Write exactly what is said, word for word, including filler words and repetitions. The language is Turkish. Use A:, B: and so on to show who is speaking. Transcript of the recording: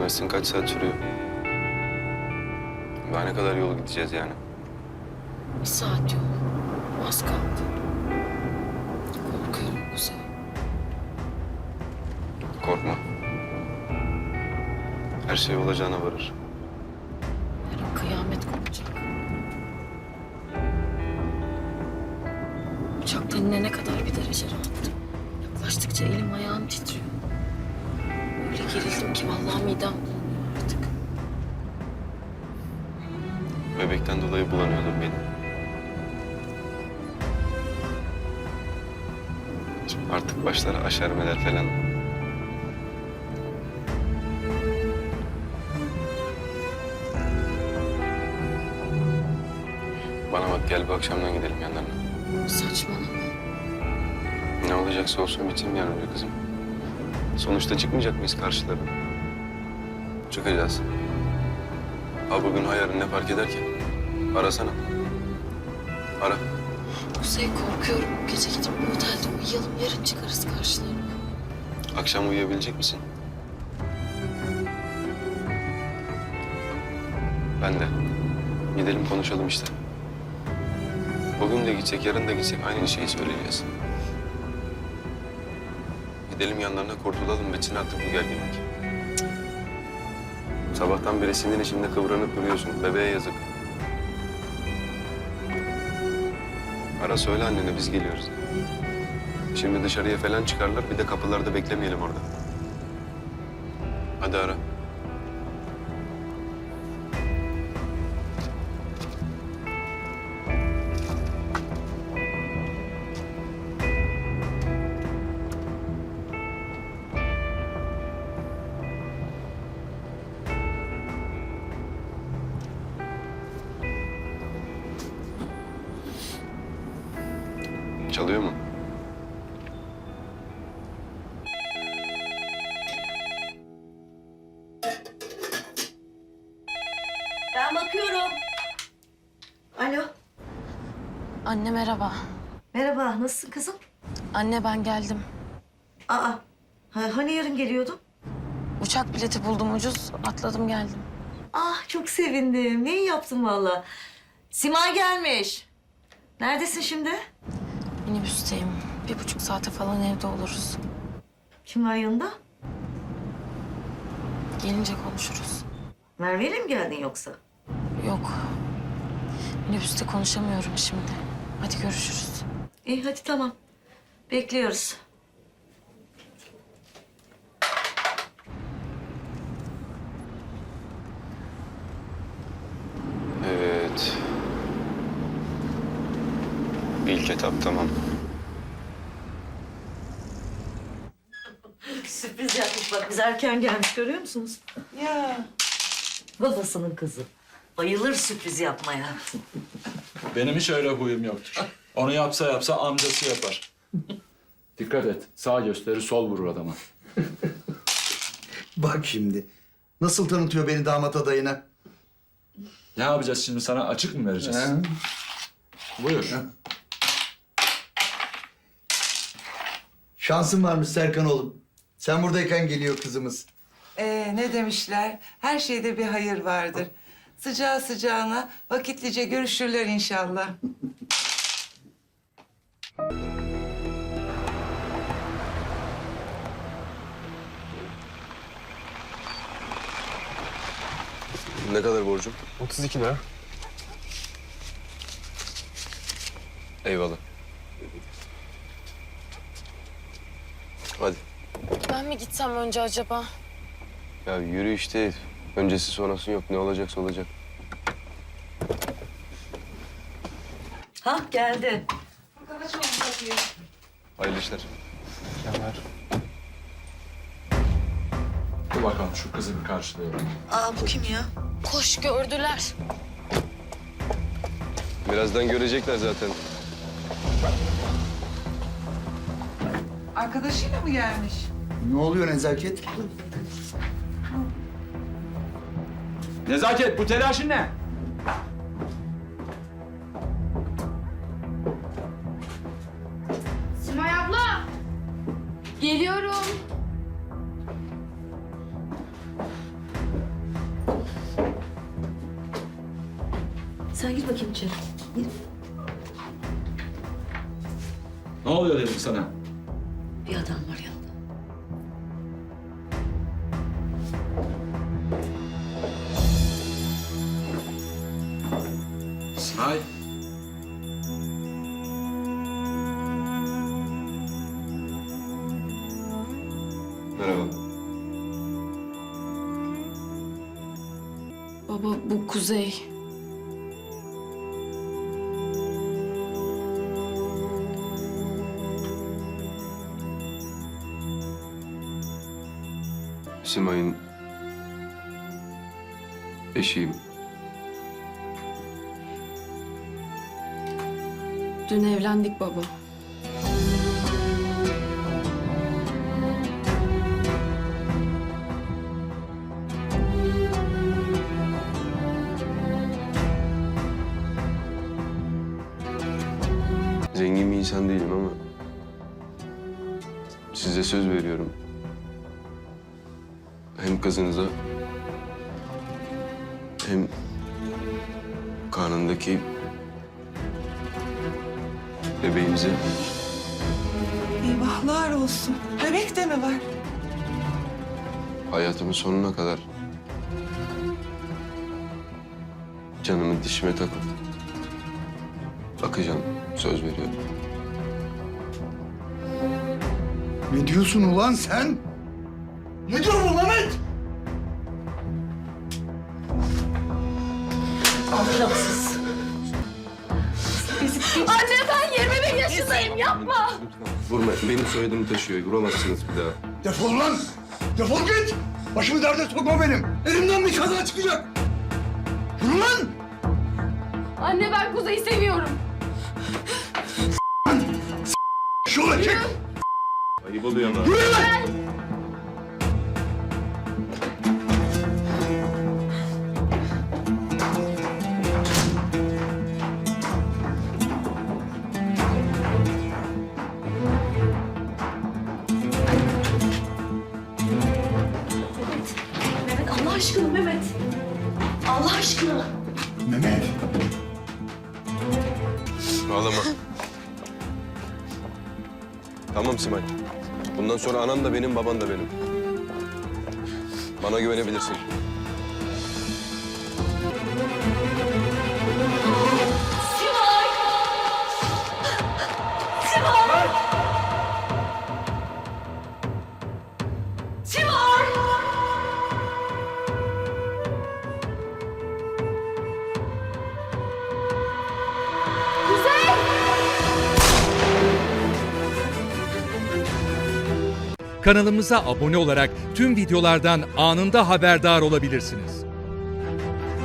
A: Gidemezsin, kaç saat sürüyor? Daha ne kadar yol gideceğiz yani?
B: Bir saat yol. Az kaldı. Korkuyorum Kuzey.
A: Korkma. Her şey olacağına varır.
B: Her an kıyamet kopacak. Uçaktan inene kadar bir derece rahattım. Yaklaştıkça elim ayağım titriyor. Öyle gerildim ki vallahi midem bulanıyor artık.
A: Bebekten dolayı bulanıyordur benim. Artık başlar aşermeler falan. Bana bak, gel bu akşamdan gidelim yanlarına.
B: Saçmalama.
A: Ne olacaksa olsun bitsin yani be kızım. Sonuçta çıkmayacak mıyız karşılarına? Çıkacağız. Ha bugün ha yarın ne fark eder ki? Arasana. Ara.
B: Kuzey korkuyorum. Bu gece gidip bu otelde uyuyalım. Yarın çıkarız karşılarına.
A: Akşam uyuyabilecek misin? Ben de. Gidelim konuşalım işte. Bugün de gitsek, yarın da gitsek aynı şeyi söyleyeceğiz. Gidelim yanlarına, kurtulalım, bitsin artık bu gerginlik. Cık. Sabahtan beri senin içinde kıvranıp duruyorsun. Bebeğe yazık. Ara söyle annene, biz geliyoruz. Şimdi dışarıya falan çıkarlar, bir de kapılarda beklemeyelim orada. Hadi ara. Çalıyor mu?
C: Ben bakıyorum. Alo.
B: Anne merhaba.
C: Merhaba, nasılsın kızım?
B: Anne ben geldim.
C: Aa, ha- hani yarın geliyordun?
B: Uçak bileti buldum ucuz. Atladım geldim.
C: Ah, çok sevindim. Ne iyi yaptın valla. Simay gelmiş. Neredesin şimdi?
B: Minibüsteyim. Bir buçuk saate falan evde oluruz.
C: Kim var yanında?
B: Gelince konuşuruz.
C: Merve'yle mi geldin yoksa?
B: Yok. Minibüste konuşamıyorum şimdi. Hadi görüşürüz.
C: İyi, hadi tamam. Bekliyoruz.
A: Evet. İlk etap tamam.
C: Sürpriz yapmış bak. Biz erken gelmiş, görüyor musunuz?
D: Ya
C: Babasının kızı. Bayılır sürpriz yapmaya.
E: Benim hiç öyle huyum yoktur. Onu yapsa yapsa amcası yapar. Dikkat et. Sağ gösterir, sol vurur adama.
F: Bak şimdi. Nasıl tanıtıyor beni damat adayına?
E: Ne yapacağız şimdi? Sana açık mı vereceğiz?
F: Ha?
E: Buyur.
F: Şansın varmış Serkan oğlum. Sen buradayken geliyor kızımız.
D: ee, ne demişler? Her şeyde bir hayır vardır. Sıcağı sıcağına vakitlice görüşürler inşallah.
A: Ne kadar borcum?
G: otuz iki lira.
A: Eyvallah. Hadi.
B: Ben mi gitsem önce acaba?
A: Ya yürü işte. Öncesi sonrası yok. Ne olacaksa olacak.
C: Ha, geldi.
A: Hayırlı işler.
G: Kemer.
E: Dur bakalım şu kızı bir karşılayalım.
C: Aa, bu kim ya?
B: Koş gördüler.
A: Birazdan görecekler zaten.
D: Arkadaşıyla mı gelmiş?
F: Ne oluyor Nezaket?
E: Nezaket, bu telaşın ne?
H: Simay abla! Geliyorum.
C: Sen gir bakayım içeri. Gir.
E: Ne oluyor dedim sana?
C: Bir adam var yanında.
E: Simay.
A: Merhaba.
B: Baba bu Kuzey.
A: Simay'ın eşiyim.
B: Dün evlendik baba.
A: Zengin bir insan değilim ama size söz veriyorum. Hem kızınıza hem karnındaki bebeğimize
D: Eyvahlar olsun. Bebek de mi var?
A: hayatımın sonuna kadar canımı dişime takıp bakacağım. Söz veriyorum.
F: Ne diyorsun ulan sen? Ne diyorsun Mehmet?
C: Ahlaksız.
B: Anne ben yirmi bir yaşındayım yapma.
A: Vurma. Benim soyadımı taşıyor. Vuramazsınız bir daha.
F: Defol lan! Defol git! Başımı derde sokma benim. Elimden bir kaza çıkacak. Yürü lan!
B: Anne ben Kuzey'i seviyorum.
F: Şöyle çek!
A: Ayıp oluyor ama.
F: Yürü lan!
C: Mehmet Allah aşkına Mehmet. Allah aşkına.
F: Mehmet!
A: Ağlama. Tamam Simay. Bundan sonra anan da benim, baban da benim. Bana güvenebilirsin.
H: Kanalımıza abone olarak tüm videolardan anında haberdar olabilirsiniz.